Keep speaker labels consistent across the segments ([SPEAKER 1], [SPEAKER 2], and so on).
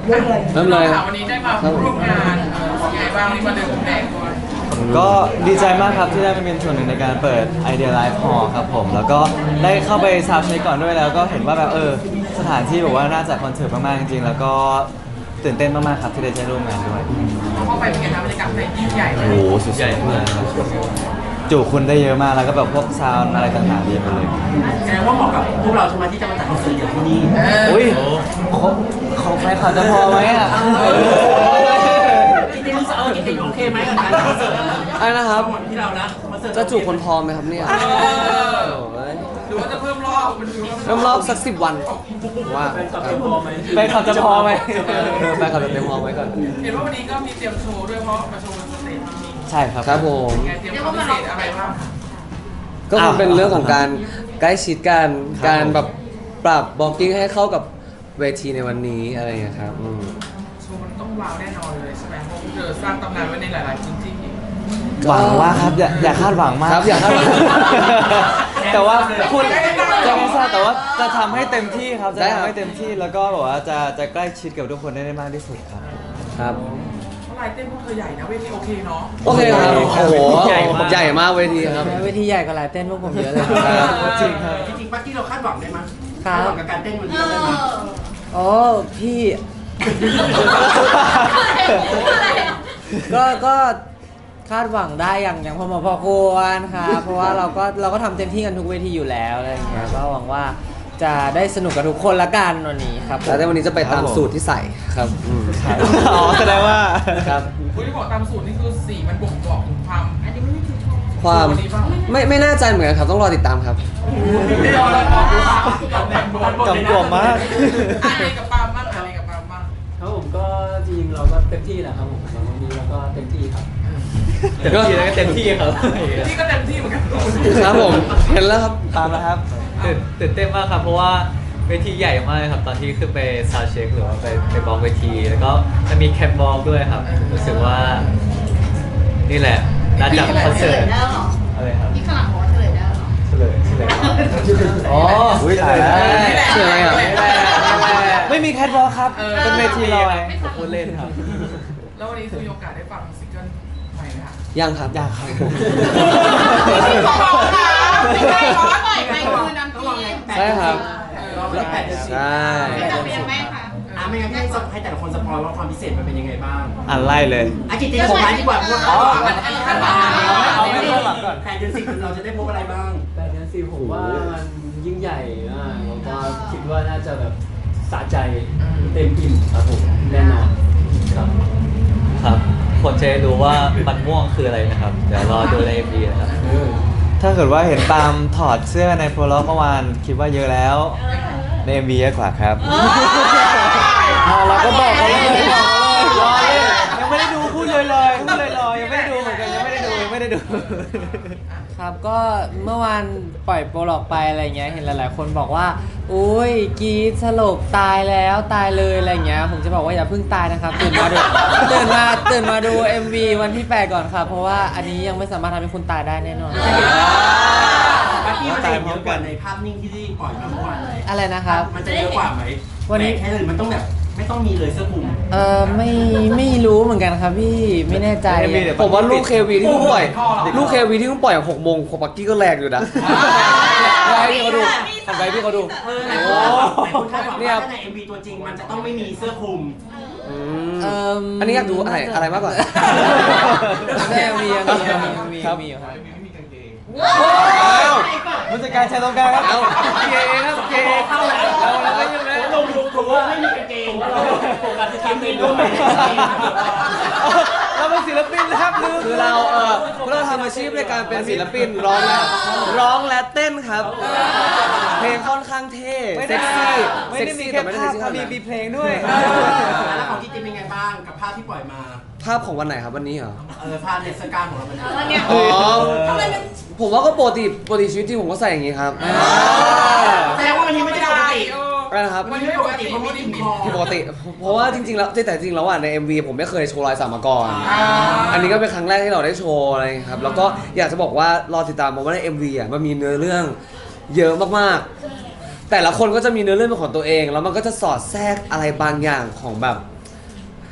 [SPEAKER 1] เริ่มเลย
[SPEAKER 2] วันนี้ได้มาร่วมงานยังไงบ้างนี่มาเดินพรมแดงด้วย
[SPEAKER 3] ก็ดีใจมากครับที่ได้มาเป็นส่วนหนึ่งในการเปิด Idea Live Hall ครับผมแล้วก็ได้เข้าไปซาวด์เช็คก่อนด้วยแล้วก็เห็นว่าแบบสถานที่แบบว่าน่าจัดคอนเสิร์ตมากๆจริงๆแล้วก็ตื่นเต้นมากๆครับที่ได้ร่วมงานด้วย
[SPEAKER 2] เข้าไปเป็นไงครับบรรยากาศยิ่งใหญ่เลย
[SPEAKER 3] โอ้โหสุดใหญ่มากจุคนได้เยอะมากแล้วก็แบบพวกซาวน์อะไรต่างๆดีหมดเลย
[SPEAKER 1] แสดงว่าเหมาะกับพวกเราใช่ไหมที่จะมาจัดคอนเสิร์ตอย่างที่นี่
[SPEAKER 3] อุ้ยของใครเขาจะพอไหมอ่ะ
[SPEAKER 1] จริงๆรู้สึกจริงๆโอเคไหมกับการคอนเสิร์ต
[SPEAKER 4] อะไรนะครับ
[SPEAKER 1] ที่เรานะคอนเสิร์ต
[SPEAKER 4] จะจูบคนพอไหมครับเนี่ยโอ้ย
[SPEAKER 2] หรือว่าจะเพิ่มรอบมันดู
[SPEAKER 4] เริ่มรอบสัก10 วันว่า
[SPEAKER 1] เป็นกับที่พอไหม
[SPEAKER 3] แฟนเขาจะพอไหม
[SPEAKER 4] แฟนคลับจะเต็มพอไหมก่อน
[SPEAKER 2] เห็นว่าวันนี้ก็มีเตรียมโชว์ด้วยเพราะมาโชว์บนสเตจจริง
[SPEAKER 3] ใช่ครับ
[SPEAKER 4] ครับผม
[SPEAKER 2] ไงเตรียมความพิเศษอะไรบ้าง
[SPEAKER 4] ก็คงเป็นเรื่องของการใกล้ชิดกัน
[SPEAKER 3] ครับ
[SPEAKER 4] การแบบปรับบ็อกกิ้งให้เข้ากับเวทีในวันนี้อะไรอย่างเงี้ยครับ
[SPEAKER 2] โชว์มันต้องว้าวแน่นอนเลยใช่ไหมเพราะเธอสร้างตำนานไว้ในหลายๆพื้นที่
[SPEAKER 3] หวังว่าครับอย่าคาดหวังมาก
[SPEAKER 4] ครับอย่าคาดหวัง
[SPEAKER 3] แต่ว่าคุณจะไม่ทราบแต่ว่าจะทำให้เต็มที่ครับจะ
[SPEAKER 4] ได้ครับ
[SPEAKER 3] ทำให้เต็มที่แล้วก็แบบว่าจะใกล้ชิดกับทุกคนได้มากที่สุดครับ
[SPEAKER 4] ครับ
[SPEAKER 2] เพราะลายเต้นพวกเธอใหญ่นะเวทีโอเคเนาะ
[SPEAKER 4] โอเคครับโอ้โห
[SPEAKER 3] ใหญ่มาก
[SPEAKER 4] ใหญ่มากเวทีครับ
[SPEAKER 5] เวทีใหญ่กว่าลายเต้นพวกผมเยอะเลย
[SPEAKER 4] ครับ
[SPEAKER 3] จริงครับ
[SPEAKER 1] จริงๆปักกี้เราคาดหวังได้ไหม
[SPEAKER 5] ครั
[SPEAKER 1] คา
[SPEAKER 5] บ
[SPEAKER 1] ดหวังกับการเต้นวันนี้เราได้ไหม
[SPEAKER 5] โอ้พี่ ก็คาดหวังได้อย่างพอควรครับเพราะว่าเราก็ทำเต็มที่กันทุกเวทีอยู่แล้วอะไรอย่างเงี้ยก็หวังว่าจะได้สนุกกับทุกคนละกันวันนี้ครับผม
[SPEAKER 4] แต่ในวันนี้จะไปตามสูตรที่ใส่ครับ
[SPEAKER 3] อ๋อแสดงว่า
[SPEAKER 4] ครับ
[SPEAKER 2] คุณที่บอกตามสูตรนี่คือสีมันบ่งบอกถึงความอันนี้ไม่ได้คือชอบ
[SPEAKER 4] ความ
[SPEAKER 2] วันนี้เปล่า
[SPEAKER 4] ไม่แน่ใจเหมือนกันครับต้องรอติดตามครับ
[SPEAKER 2] ไม่ยอมแล้ว
[SPEAKER 3] กำกวมมาก
[SPEAKER 2] อะไรกับปาล์มบ้างอะไรกับปาล์มบ้าง
[SPEAKER 6] ครับผมก็จริงๆเราก็เต็มที่แหละครับผมสำหรับวันนี้เราก็เต็มที่ครับ
[SPEAKER 3] เต็มที่แล้วก็เต็มที่ครับ
[SPEAKER 2] นี่ก็เต็มที่เหมือนกัน
[SPEAKER 4] ครับผมเห็นแล้วครับ
[SPEAKER 3] ตามนะครับ
[SPEAKER 7] ตื่นเต้นมากครับเพราะว่าเวทีใหญ่มากครับตอนที่ขึ้นไปซาวด์เช็คหรือว่าไปบล็อกเวที แล้วก็จะมีแคปบอลด้วยครับรู้สึกว่านี่แหละน่าจะคอนเสิร์ตอะไรครับ
[SPEAKER 8] ที่ข้างหลังบอกว่าเฉลยได้เหรอ
[SPEAKER 7] เฉลย
[SPEAKER 3] อ๋ออุ้ยตายแล้ว
[SPEAKER 4] ชื่ออะไรอ่ะ
[SPEAKER 3] ไม่มีแคทวอล์คครับ เป็นเวทีลอย
[SPEAKER 7] ผมพูดเล่นครับ
[SPEAKER 2] แล้ววันนี้คือมีโอกาสได้ฟังซิงเกิลใหม่ไหมคะ
[SPEAKER 4] ยังครับ
[SPEAKER 3] อยากครับผม
[SPEAKER 8] ไม่ใช่เพราะว่าปล่อยไปคืนน้ำพี
[SPEAKER 4] ใช่ครับ
[SPEAKER 1] แล้ว8 เดือน
[SPEAKER 4] ใช่
[SPEAKER 8] ไม่จำเป็นไหมคะ
[SPEAKER 1] ไม่งั้นให้แต่ละคนสปอยว่าความพิเศษมันเป็นยังไงบ้าง
[SPEAKER 3] อ่านไล่เลย
[SPEAKER 1] กิตติของร้านดีกว่าเพราะว่า
[SPEAKER 2] อันนี้คาดหวัง
[SPEAKER 3] เอาไม่เข้าหลังก่อน
[SPEAKER 1] 8 เดือน 10 เราจะได้พบอะไรบ้าง
[SPEAKER 6] แต่เดือนสี่ผมว่ามันยิ่งใหญ่มากแล้วก็คิดว่าน่าจะแบบสะใจเต็มอิ่มครับผมแน่นอนครับ
[SPEAKER 7] ครับคนจะได้รู้ว่ามันม่วงคืออะไรนะครับ เดี๋ยวรอดูใน MV นะครับ
[SPEAKER 3] ถ้าเกิดว่าเห็นตามถอดเสื้อในโปรล็อกเมื่อวานคิดว่าเยอะแล้ว ใน MV เยอะกว่าครับเราก็บอกเขาเลยรอเล่นยังไม่ได้ดูพูดเลยพูดเลยยังไม่ได้ดูเหมือนกันยังไม่ได้ดู
[SPEAKER 5] ครับก็เมื่อวานปล่อยโปรล็อกไปอะไรเงี้ยเห็นหลายๆคนบอกว่าอุ้ยกรีดสลบตายแล้วตายเลยอะไรเงี้ยผมจะบอกว่าอย่าเพิ่งตายนะครับตื่นมาดู MV วันที่ 8 ก่อนครับเพราะว่าอันนี้ยังไม่สามารถทำให้คุณตายได้แน่นอน
[SPEAKER 1] ปักกี้มันจะเห็นเยอะกว่าในภาพนิ่งที่ปล่อยมาเมื่อวานเลย
[SPEAKER 5] อะไรนะครับ
[SPEAKER 1] มันจะเยอะกว่าไหม
[SPEAKER 5] วันนี้
[SPEAKER 1] แค่เลยมันต้องแบบไม่ต้องมีเลยเสื้อคลุม
[SPEAKER 5] ไม่รู้เหมือนกันครับพี่ไม่แน่ใจ
[SPEAKER 3] MV เดี๋ยว
[SPEAKER 4] ผมว่าลูกเควีที่เพิ่งปล่อยลูกเควีที่เพิ่งปล่อย6 โมงของปักกี้ก็แรงอยู่นะให้พี่เขาดูทำไปพี่เขาดู
[SPEAKER 1] ไหนคุณคาดหวังว่าถ้าใน MV ตัวจริงมันจะต้องไม่มีเสื้อคลุม
[SPEAKER 4] อันนี้อยากดูอะไรมากกว่า
[SPEAKER 5] แม่มีอยู่ครับ
[SPEAKER 3] ผู้จัดการชายตรงกลางครับ
[SPEAKER 4] เอา
[SPEAKER 3] เกย์ครับเกย์
[SPEAKER 1] เข้าแล้ว
[SPEAKER 3] แล้วก็ยังไง
[SPEAKER 1] ลงถูกว่าไม่มีกางเกงโฟกัสที่ทีมเองด้วย
[SPEAKER 3] เราเป็นศิลปินนะครับลืม
[SPEAKER 4] คือเราทำอาชีพในการเป็นศิลปินร้องและเต้นครับ เพลงค่อนข้างเท่เซ็กซี่
[SPEAKER 3] ไม่
[SPEAKER 4] เซ็ก
[SPEAKER 3] ได้มี
[SPEAKER 4] ซี่
[SPEAKER 3] แค่
[SPEAKER 4] แต่ไม่ได้
[SPEAKER 3] ภา
[SPEAKER 4] เซ็
[SPEAKER 3] พ
[SPEAKER 4] กซี่
[SPEAKER 3] ครับ
[SPEAKER 4] ขนาดนั้น
[SPEAKER 3] มีเพลงด้วย
[SPEAKER 1] แล้วของกิตติเป็นไงบ้างกับภาพที่ปล่อยมา
[SPEAKER 4] ภาพของวันไหนครับวันนี้เหรอ
[SPEAKER 1] ภาพในสกาของเรามัน
[SPEAKER 8] เนี่ย
[SPEAKER 4] อ๋อ
[SPEAKER 8] ทำไมมัน
[SPEAKER 4] ผมว่าก็ปกติชีวิตจริงผมก็ใส่อย่างงี้ครับ
[SPEAKER 1] แสดงว่าวันนี้ไม่ได้ปกติ
[SPEAKER 4] อะไรนะครับ
[SPEAKER 1] วันนี้ไม่ปกติเพราะมีติ่มคอ
[SPEAKER 4] ปกติ เพราะว่าจริงๆแล้วแต่จริงๆแล้วอ่ะใน MV ผมไม่เคยโชว์รอยสักมาก่อน อันนี้ก็เป็นครั้งแรกที่เราได้โชว์อะไรครับ แล้วก็อยากจะบอกว่ารอติดตามมาว่าใน MV อ่ะมันมีเนื้อเรื่องเยอะมากๆ แต่ละคนก็จะมีเนื้อเรื่องเป็นของตัวเอง แล้วมันก็จะสอดแทรกอะไรบางอย่างของแบบ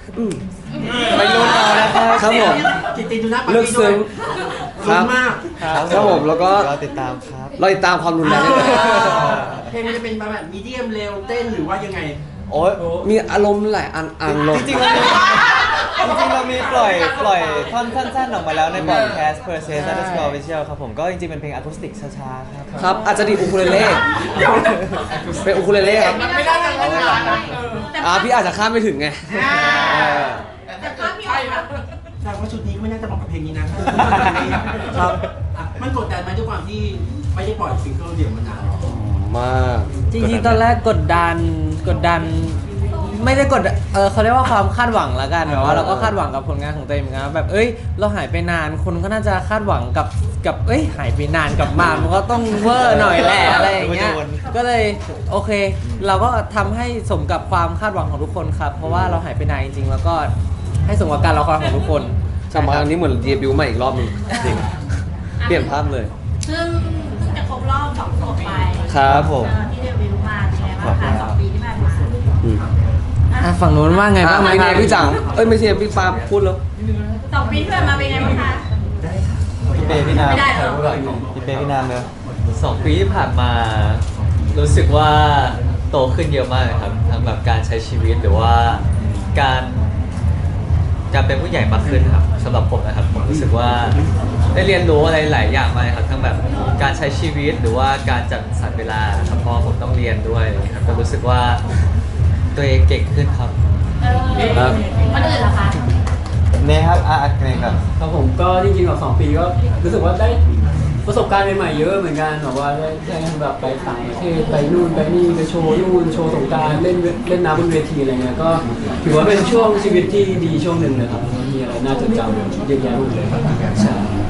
[SPEAKER 3] ไม่รู้เอานะครับ
[SPEAKER 4] ครับผม
[SPEAKER 1] จิตตินดูหน้าปาร์
[SPEAKER 4] เลือก
[SPEAKER 1] ตี้ด้ว
[SPEAKER 4] ซึ้
[SPEAKER 1] ย
[SPEAKER 4] ง
[SPEAKER 1] ลุ้นมาก
[SPEAKER 4] ครับผมแล้วก็
[SPEAKER 3] รอติดตามครับ
[SPEAKER 4] เราติดตามความรุนแรงได้เลย
[SPEAKER 1] เพลงมันจะเป็นแบบมีเดียมเร็วเต้นหรือว่ายังไง
[SPEAKER 3] โอ้ย
[SPEAKER 4] มีอารมณ์หลายอันลง
[SPEAKER 3] จริงๆเรามีปล่อยท่อนสั้นๆออกมาแล้วในพอดแคสต์ Per Se Underscore Official ครับผมก็จริงๆเป็นเพลงอะคูสติกช้าๆครับ
[SPEAKER 4] ครับอาจจะดีดอูคูเลเล่เป็นอูคูเลเล่ครับ
[SPEAKER 2] มันไม่ได้กันขนาดนั้น
[SPEAKER 4] พี่อาจจะข้ามไม่ถึงไง
[SPEAKER 8] แต่ภาพพี่ออกมา
[SPEAKER 1] ใช่ว่าชุดนี้ก็ไม่น่าจะเหมาะกับเพลงนี้นะครับ อ่ะมันกดดันไหมด้วยความที่ไม่ได้ปล่อยซิงเกิลเดี่ยวมานาน
[SPEAKER 4] มาก
[SPEAKER 5] จริงๆตอนแรกกดดันไม่ได้กดเขาเรียกว่าความคาดหวังละกันแบบว่าเราก็คาดหวังกับผลงานของตัวเองเหมือนกันแบบเราหายไปนานคนก็น่าจะคาดหวังกับหายไปนานกับมามันก็ต้องเวอร์หน่อยแหละอะไรอย่างเงี้ยก็เลยโอเค เราก็ทำให้สมกับความคาดหวังของทุกคนครับเพราะว่าเราหายไปนานจริงๆแล้วก็ให้สมกับการรอคอยของทุกคน
[SPEAKER 4] กลับมาอันนี้เหมือนเดบิวต์ใหม่อีกรอบหนึงจริงเปลี่ยนภาพเลย
[SPEAKER 8] ซึ่งจะครบรอบ2 ขวบไป
[SPEAKER 4] ครับผม
[SPEAKER 8] ที่เดบิวต์มาใช่ไหมคะ2 ปีที่ผ่านมา
[SPEAKER 5] ฝั่งนู้นว่าไงบ้างไหม
[SPEAKER 4] ไม่
[SPEAKER 5] ค
[SPEAKER 4] ใช่
[SPEAKER 5] รับ
[SPEAKER 4] พี่จังไม่ใช่พี่ปาพูดแล้ว
[SPEAKER 8] 2 ปีที่ผ่านมาเป็นไงบ้างคะ
[SPEAKER 3] พี่เปย์พี่นาม
[SPEAKER 8] ไม่ได้เหรอ
[SPEAKER 3] พี่เปย์พี่นามเลย
[SPEAKER 7] 2 ปีที่ผ่านมา รู้สึกว่าโตขึ้นเยอะมากเลยครับทั้งแบบการใช้ชีวิตหรือว่าการเป็นผู้ใหญ่มากขึ้นครับสำหรับผมนะครับผมรู้สึกว่าได้เรียนรู้อะไรหลายอย่างมากครับทั้งแบบการใช้ชีวิตหรือว่าการจัดสรรเวลาครับเพราะผมต้องเรียนด้วยครับก็รู้สึกว่าตัวเองเก่งขึ้นครับ
[SPEAKER 4] ครับ
[SPEAKER 8] คนอื่นเหรอคะ
[SPEAKER 3] เนี่ยครับเนี่ยครับ
[SPEAKER 6] ครับผมก็จริงๆกับ2 ปีก็รู้สึกว่าได้ประสบการณ์ใหม่ๆเยอะเหมือนกันแบบว่าได้แบบไปต่างประเทศไปนู่นไปนี่ไปโชว์นู่นโชว์สงกรานต์เล่นน้ำบนเวทีอะไรเงี้ยก็ถือว่าเป็นช่วงชีวิตที่ดีช่วงหนึ่งเลยครับมีอะไรน่าจดจำเยอะแยะหมดเลยครับใช่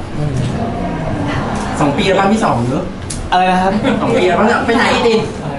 [SPEAKER 1] 2 ปีแล้วบ้านที่2เนอะ
[SPEAKER 3] อะไรนะครับ
[SPEAKER 1] 2 ปีแล้วบ้านไปไหนดิ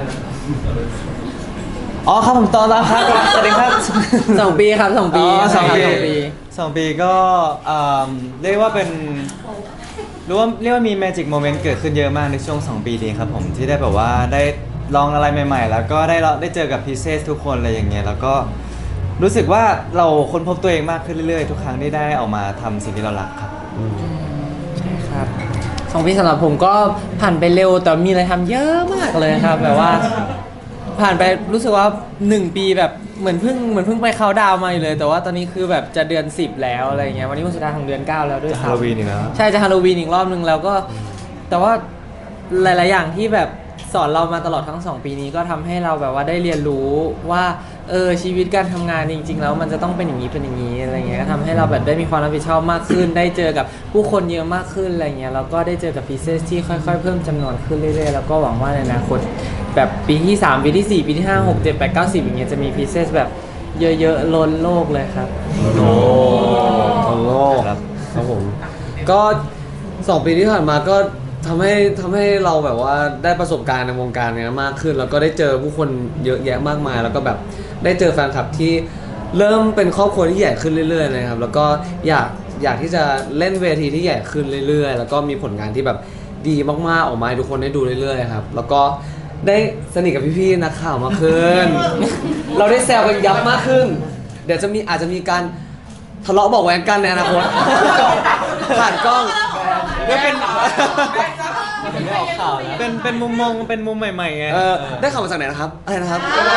[SPEAKER 3] อ๋อครับผมตอนรับครับสวัสดีครับ
[SPEAKER 5] 2 ปีครับ2 ปี
[SPEAKER 3] อ๋อ2 ปี
[SPEAKER 5] ครับ2 ปี
[SPEAKER 3] 2 ปีก็เรียกว่าเป็นเรียกว่ามี magic moment เกิดขึ้นเยอะมากในช่วง 2 ปีนี้ครับผมที่ได้แบบว่าได้ลองอะไรใหม่ๆ แล้วก็ได้เจอกับพีเซสทุกคนอะไรอย่างเงี้ยแล้วก็รู้สึกว่าเราค้นพบตัวเองมากขึ้นเรื่อยๆ ทุกครั้งที่ได้ออกมาทำสิ่งที่เรารักครับ
[SPEAKER 5] ครับ2 ปีสำหรับผมก็ผ่านไปเร็วแต่มีอะไรทำเยอะมากเลยครับแบบว่า ผ่านไปรู้สึกว่า1 ปีแบบเหมือนเพิ่งไปเขาน์ดาวน์มาอยู่เลย แต่ว่าตอนนี้คือแบบจะเดือน 10 แล้วอะไรเงี้ยวันนี้วันสุดท้ายของเดือน 9 แล้วด้วย
[SPEAKER 3] จะ
[SPEAKER 5] ครั
[SPEAKER 3] ฮาโลวีนอีกแล้ว
[SPEAKER 5] ใช่จะฮาโลวีนอีกรอบนึงแล้วก็แต่ว่าหลาย ๆ อย่างที่แบบสอนเรามาตลอดทั้ง 2 ปีนี้ก็ทำให้เราแบบว่าได้เรียนรู้ว่าชีวิตการทำงานจริง ๆ แล้วมันจะต้องเป็นอย่างนี้เป็นอย่างนี้อะไรเงี้ยก็ทำให้เราแบบได้มีความรับผิดชอบมากขึ้น ได้เจอกับผู้คนเยอะมากขึ้นอะไรเงี้ยแล้วก็ได้เจอกับพีเซสที่ค่อย ๆ เพิ่มจำนวนขึ้นเรื่อย ๆ แล้วก็หวังว่าในอนาคตแบบปีที่ 3 ปีที่ 4 ปีที่ 5 6 7 8 9 10อย่างเงี้ยจะมีพีเซสแบบเยอะๆล้นโลกเลยครับ
[SPEAKER 4] โอ้โหครับผมก็2 ปีที่ผ่านมาก็ทำให้เราแบบว่าได้ประสบการณ์ในวงการเนี้ยมากขึ้น แล้วก็ได้เจอผู้คนเยอะแยะมากมาย แล้วก็แบบได้เจอแฟนคลับที่เริ่มเป็นครอบครัวที่ใหญ่ขึ้นเรื่อยๆนะครับแล้วก็อยากที่จะเล่นเวทีที่ใหญ่ขึ้นเรื่อยๆ แล้วก็มีผลงานที่แบบดีมากๆออกมาให้ทุกคนได้ดูเรื่อยๆครับแล้วก็ได้สนิทกับพี่ๆนักข่าวมากขึ้น เราได้แซวกันยับมากขึ้น เดี๋ยวอาจจะมีการทะเลาะเบาะแว้งกันในอนาคต ผ่านกล้อง
[SPEAKER 3] ก็เป็น
[SPEAKER 7] ไม่ออกข่าวนะ
[SPEAKER 3] เป็นมุมมองเป็นมุมใหม่ๆไง
[SPEAKER 4] ได้ข่าวมาจากไหนนะครับอะไรนะครับ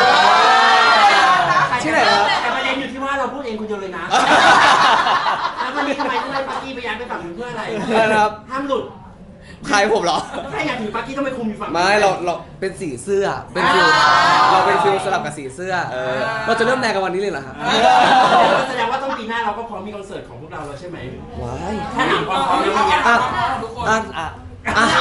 [SPEAKER 4] ที่ไหนครับ
[SPEAKER 1] แต่ประเด็นอยู่ที่ว่าเราพูดเองคนเดียวเลยนะ แล้ววันนี้ทำไมต้องให้ปาร์กี้ไปย้ายไปฝั่งนู้นเพื่ออะไร
[SPEAKER 4] อะไรนะครับ
[SPEAKER 1] ห้ามหลุด
[SPEAKER 4] ใครผมเหรอ
[SPEAKER 1] ใช่อยากถือปาร์กี้ต้องไปคุมอยู่ฝั่งนู้น
[SPEAKER 4] ไม่เราเป็นสีเสื้อเป็นฟิลเราเป็นฟิลสลับกับสีเสื้อเราจะเริ่มแรงกันวันนี้เลยเหรอครับ
[SPEAKER 1] แสดงว่าต้องปีหน้าเราก็พร้อมมีคอนเสิร์ตของพวกเราแล้วใช่ไหม
[SPEAKER 4] ว้าย
[SPEAKER 1] ถ้าหนังความพร้อมแล้ววันเนี้ย
[SPEAKER 4] อ่ะ
[SPEAKER 2] ทุกคน
[SPEAKER 4] อ่ะ
[SPEAKER 3] อ่ะ
[SPEAKER 4] อ่ะ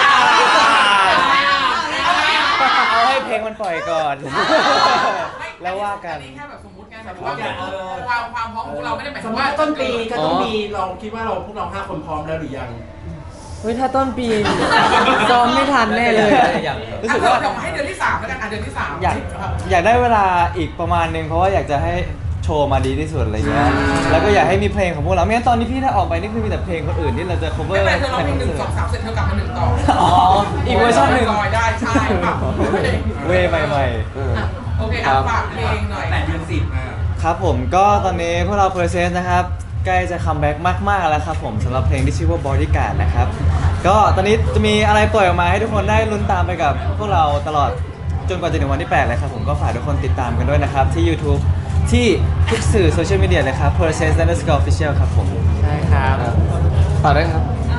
[SPEAKER 3] เอาให้เพลงมันปล่อยก่อน แล้วว่ากัน
[SPEAKER 2] อัแค่แบบสมมติไงแบบว่าความพร้อมของเราไม่ได้หมาย
[SPEAKER 1] ส
[SPEAKER 2] ถึ
[SPEAKER 1] ม
[SPEAKER 2] ง
[SPEAKER 1] มติ
[SPEAKER 2] ว่า
[SPEAKER 1] ว่าต้นปีก็ต้องมีเราคิดว่าพวกเรา5 คนพร้อมแล้วหรือยัง
[SPEAKER 5] เฮ้ยถ้าต้นปีซ้อมไม่ทันแน่เลย
[SPEAKER 7] อย่าง
[SPEAKER 3] รู้สึกว่า
[SPEAKER 2] เดี๋ยวให้เดือนที่3แล้วกันเดือนที่3
[SPEAKER 3] อยากได้เวลาอีกประมาณนึงเพราะว่าอยากจะให้โชว์มาดีที่สุดอะไรเงี้ย แล้วก็อยากให้มีเพลงของพวกเราไม่งั้นตอนนี้พี่ถ้าออกไปนี่คือมีแต่เพลงคนอื่นที่เราจะ cover
[SPEAKER 2] ไม่เป็นไรเธอร้องเพลง
[SPEAKER 3] ในคอน
[SPEAKER 2] 1
[SPEAKER 3] เสิร์ต
[SPEAKER 2] 2 3เสร็จเธอกลับมา1ต่อ
[SPEAKER 3] อ๋ออีกเวอร์ชันหนึ่ง
[SPEAKER 2] ลอยได้ใช่ป่ะ
[SPEAKER 3] เวย์ใหม่
[SPEAKER 2] โอเคฝากเพลงหน่อย
[SPEAKER 1] 8 เดือน 10
[SPEAKER 3] ครับผมก็ตอนนี้พวกเรา Percent นะครับใกล้จะคัมแบ็กมากๆแล้วครับผมสำหรับเพลงที่ชื่อว่า Bodyguard นะครับก็ตอนนี้จะมีอะไรปล่อยออกมาให้ทุกคนได้ลุ้นตามไปกับพวกเราตลอดจนกว่าจะถึงวันที่ 8 เลยครับผมก็ฝากทุกคนติดตามกันด้วยนะครับที่ YouTube ที่ทุกสื่อโซเชียลมีเดียเลยครับ Percent_official ครับผม
[SPEAKER 5] ใช่ครับ
[SPEAKER 4] ฝากด้วยครับ
[SPEAKER 8] โอ